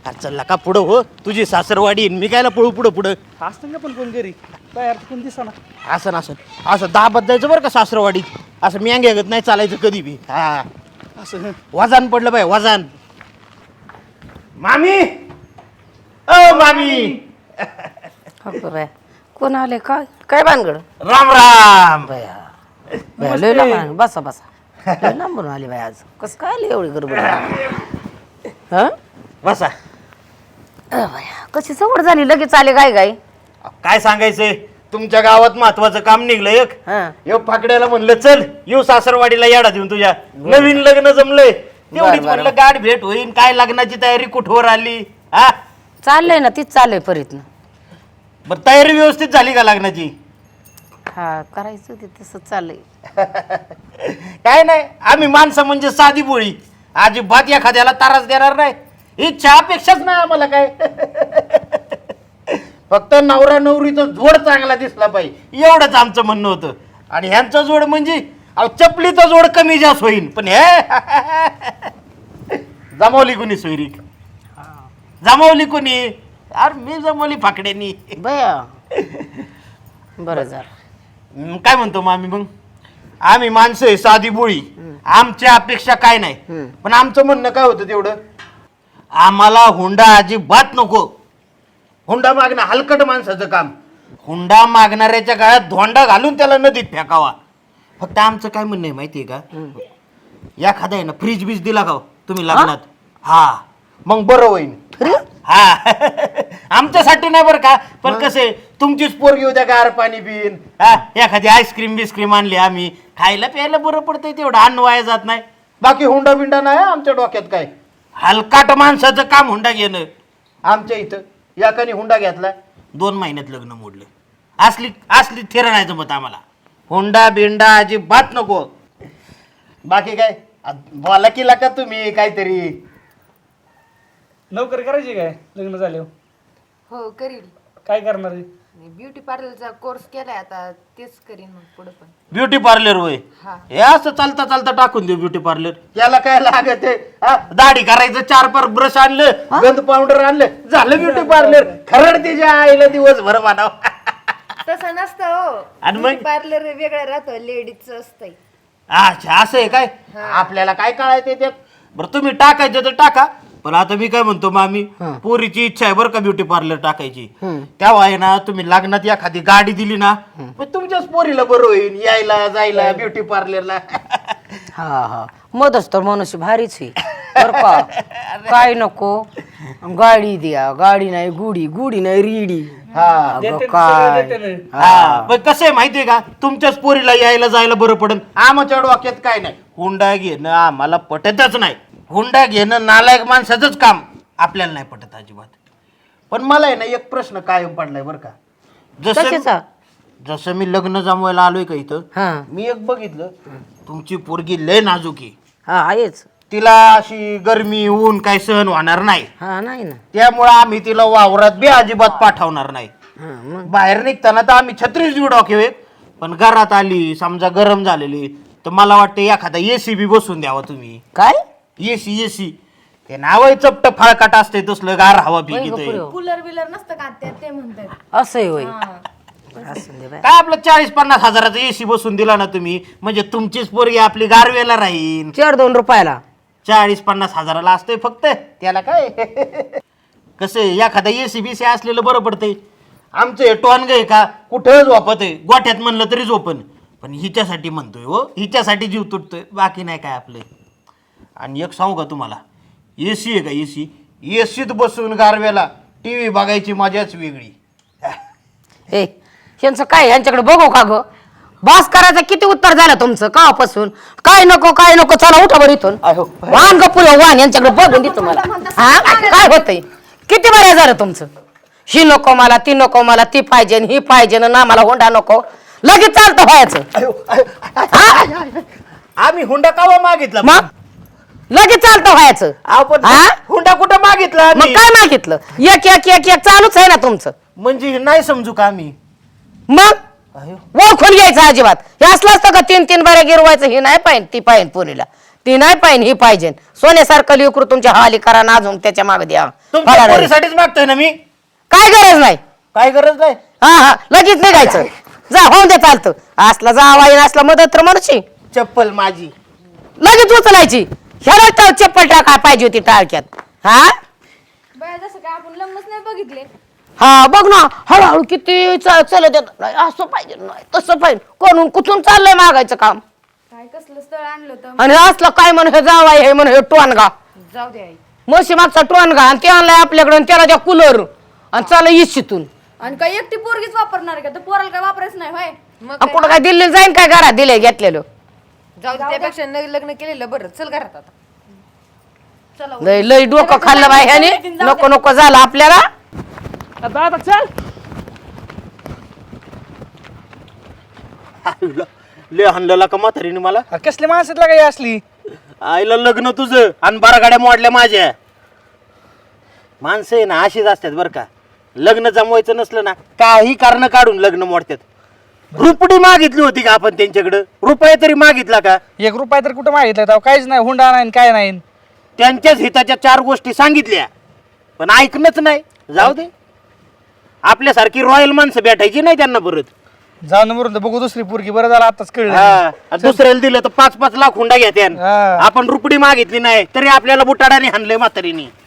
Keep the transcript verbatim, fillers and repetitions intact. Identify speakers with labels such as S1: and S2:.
S1: चल का पुढं हो, तुझी सासरवाडी मी कायला पळू पुढं पुढं.
S2: असतं का पण कोण घरी बाहेर कोण दिसा ना.
S1: असं नसं असं दाबत जायचं बरं का सासरवाडीत. असं म्यांग्यागत नाही चालायचं कधी बी. हा
S2: असं
S1: वजन पडलं बाय वजन. मामी ओ मामी
S3: हो बाय कोण आले काय काय भानगड
S1: राम राम.
S3: बया बया, लय लांब बसा बसा लय लांबून आली बाय आज कसं काय आली एवढी गडबड हा
S1: बसा.
S3: बया कशी सवड झाली लगेच आले काय काय
S1: काय सांगायचंय, तुमच्या गावात महत्वाचं काम निघलं एक.
S3: हा
S1: येऊ फाकड्याला म्हणलं चल येऊ सासरवाडीला येडा देऊन तुझ्या नवीन लग्न जमलंय तेवढीच
S3: बरं,
S1: म्हणलं गाठ भेट होईल. काय लग्नाची तयारी कुठवर आली हा?
S3: चाललंय ना तीच चाललंय परीतनं
S1: बर तयारी व्यवस्थित झाली का लग्नाची?
S3: हा करायचं ते तसं चाललंय
S1: काय नाही, आम्ही माणसं म्हणजे साधी बोळी, अजिबात एखाद्याला तारास देणार नाही. इच्छा अपेक्षाच नाही आम्हाला काय. फक्त नवरा नवरीचा जोड चांगला दिसला पाहिजे एवढंच आमचं म्हणणं होतं. आणि ह्यांचा जोड म्हणजे अहो चपलीचा जोड कमी जास्त होईल, पण हे जमावली कोणी सोयरीक? जमावली कोणी? अरे मी जमवली फाकड्यांनी.
S3: बया बरं झालं.
S1: हम्म, काय म्हणतो मग आम्ही मग आम्ही माणसं आहे साधी बोळी, आमच्या अपेक्षा काय नाही. पण आमचं म्हणणं काय होतं तेवढं, आम्हाला हुंडा अजिबात नको. हुंडा मागणं हलकट माणसाचं काम. हुंडा मागणाऱ्याच्या गळ्यात धोंडा घालून त्याला नदीत फेकावा. फक्त आमचं काय म्हणणं आहे माहितीये का, एखादा आहे ना फ्रीज बीज दिला का हो तुम्ही लग्नात, हा मग बरं होईल. हा आमच्यासाठी नाही बरं का, पण कसे तुमचीच पोरगी होत्या गार पाणी पिन, हा एखादी आईस्क्रीम बिस्क्रीम आणली आम्ही खायला प्यायला बरं पडतंय, तेवढं अन्न वाया जात नाही. बाकी हुंडा बिंडा नाही आमच्या डोक्यात काय. हलकाट माणसाचं काम हुंडा घेणं. आमच्या इथं याकाने हुंडा घेतला दोन महिन्यात लग्न मोडलं. असली असली थेर नाही जमत आम्हाला. हुंडा बिंडा अजिबात नको. बाकी काय बोला की का तुम्ही काहीतरी.
S2: नोकरी करायची काय लग्न झाल्यावर?
S4: हो करील.
S2: काय करणार आहे?
S4: ब्युटी पार्लरचा कोर्स केलाय आता तेच करीन मग पुढे पण.
S1: ब्युटी पार्लर होय,
S4: हा.
S1: हे असं चालता चालता टाकून देऊ ब्युटी पार्लर. याला काय लागत आहे, दाढी करायचं, चार पार ब्रश आणलं, गंध पावडर आणलं, झालं ब्युटी पार्लर. खरड तिच्या आईला दिवसभर मानाव.
S4: तसं नसतं हो.
S1: आणि मग?
S4: ब्युटी पार्लर वेगळं राहतं, लेडीजचं असतंय.
S1: अच्छा असं आहे काय, आपल्याला काय कळायचं त्यात. बरं तुम्ही टाकायचं तर टाका, पण आता मी काय म्हणतो मामी, पोरीची इच्छा आहे बरं का ब्युटी पार्लर टाकायची. तेव्हा आहे ना तुम्ही लग्नात एखादी गाडी दिली ना, मग तुमच्याच पोरीला बरं होईल यायला जायला ब्युटी पार्लरला.
S3: हा हा मदच तर मनुष्य भारीच आहे बरं का. काय नको गाडी द्या, गाडी नाही गुडी, गुडी नाही रिडी.
S1: हा
S2: देते ना,
S3: काय
S2: सगळं देते ना.
S1: हा, पण कसं आहे माहितीये का, तुमच्याच पोरीला यायला जायला बरं पडन. आमच्या डोक्यात काय नाही, हुंडा घेणं आम्हाला पटतच नाही. हुंडा घेणं नालायक माणसाचंच काम, आपल्याला नाही पटत अजिबात. पण मला आहे ना एक प्रश्न कायम पडलाय बरं का. जसं
S3: कशाचा?
S1: जसं मी लग्न जमवायला आलोय का इथं,
S3: हा
S1: मी एक बघितलं तुमची पोरगी लय नाजूकी.
S3: हा आहेच.
S1: तिला अशी गरमी ऊन काय सहन होणार नाही,
S3: हा नाही ना.
S1: त्यामुळे आम्ही तिला वावरात बी अजिबात पाठवणार नाही.
S3: हा मग
S1: बाहेर निघताना तर आम्ही छत्रीस जीव डोके, पण घरात आली समजा गरम झालेली तर मला वाटतं एखादा एसी बी बसून द्यावा तुम्ही.
S3: काय
S1: एसी एसी ते नाव आहे चपट फाळकाट असते तसलं गार हवा पिकित.
S4: कूलर बिलर नसतं का त्या ते म्हणतात.
S3: असं होय. असं दे बाय.
S1: काय आपलं चाळीस पन्नास हजाराचा एसी बसून दिला ना तुम्ही, म्हणजे तुमचीच पोरगी आपली गारवेला राहील.
S3: चार दोन रुपयाला
S1: चाळीस पन्नास हजाराला असतंय फक्त, त्याला काय. कसं एखादा एसी बीसी असलेलं बरं पडतंय. आमचं हे टॉनग आहे का कुठं झोपत आहे, गोठ्यात म्हणलं तरी झोपन, पण हिच्यासाठी म्हणतोय हो, हिच्यासाठी जीव तुटतोय, बाकी नाही काय आपलं. आणि एक सांगू का तुम्हाला, एसी आहे का एसी, एसीत बसून गारव्याला टी व्ही बघायची मजाच वेगळी.
S3: ए यांचं काय यांच्याकडे बघू का ग. बास करायचं किती उत्तर झालं तुमचं कापासून. काय नको काय नको चला उठा बरं इथून. वाहन ग पुढे वाहन यांच्याकडे बघून देतो मला. हा काय होतंय किती बरं झालं तुमचं. ही नको मला ती नको मला ती पाहिजे ही पाहिजे ना मला होंडा नको लगेच चालतं व्हायचं.
S1: आम्ही हुंडा कावा मागितला
S3: मग लगेच चालतं व्हायचं.
S1: आपण
S3: हा?
S1: हुंडा कुठं मागितला
S3: मग
S1: आम्ही?
S3: काय मागितलं एक एक एक एक चालूच आहे ना तुमचं.
S1: म्हणजे नाही समजू का आम्ही.
S3: मग
S1: अयो.
S3: ओळखून घ्यायचं अजिबात. हे असलं असतं का तीन तीन बऱ्या गिरवायचं हे नाही पाहिजे ती पाहिजे पोरीला. ती नाही पाहिजे ही पाहिजे सोन्यासारखं लेकरू तुमच्या हवाली करा ना अजून त्याच्या मागे द्या
S1: तुमच्या
S3: फळाला.
S1: पोरीसाठीच मागतोय ना मी.
S3: काय गरज नाही
S1: काय गरज नाही.
S3: हा हा लगेच निघायचं जा होऊन दे चालतं असला जावाई असला मदत तर म्हणशी
S1: चप्पल माझी.
S3: लगेच उचलायची ह्याला टाळ चप्पल टाकाय पाहिजे होती टाळक्यात हा
S4: बाया जसं काय आपण लग्नच नाही बघितले.
S3: हा बघ ना हळूहळू किती चा- चालत येत नाही असं पाहिजे नाही तसं पाहिजे कोणून कुठून चाललंय मागायचं काम
S4: काय कसलं स्थळ आणलं होतं.
S3: आणि असलं काय म्हण हे जावाय हे म्हण हे टोनगा
S4: जाऊ दे आई.
S3: म्हशी मागचा टोनगा आणि ते आणलाय आपल्याकडे आणि त्याला त्या कूलर आणि चाल इच्छितून
S4: आणि काय एकटी पोरगीच वापरणार आहे का? तर पोराला काय वापरायचं नाही होय. मग
S3: आणि कुठं काय दिल्लीला जाईन काय घरात दिले घेतलेलं
S4: जाऊ दे त्यापेक्षा नाही लग्न केलेलं बरं. चल घरात आता. चला
S3: लय लय डोकं खाल्लं बाई ह्याने नको नको झालं आपल्याला
S2: आता आता चल.
S1: ले हाणलेला का म्हातारीने मला.
S2: अरे कसली माणसातला काही असली
S1: आईला लग्न तुझं आणि बारा गाड्या मोडल्या माझ्या. माणसं आहे ना अशीच असतात बरं का. लग्न जमवायचं नसलं ना काही कारण काढून लग्न मोडतात. रुपडी मागितली होती का आपण त्यांच्याकडं रुपये तरी मागितला का.
S2: एक रुपया तर कुठं मागितलं तेव्हा काहीच नाही हुंडा नाही काय नाही
S1: त्यांच्याच हिताच्या चार गोष्टी सांगितल्या पण ऐकणंच नाही. जाऊ दे आपल्यासारखी रॉयल माणसं भेटायची नाही त्यांना परत.
S2: जाऊन मरून बघू दुसरी पोरगी बरं झालं आताच कळलं
S1: हा, आणि दुसऱ्याला दिलं तर पाच पाच लाख हुंडा घेत्यान.
S2: हा.
S1: आपण रुपडी मागितली नाही तरी आपल्याला बुटाडाने हाणलंय म्हातारीने.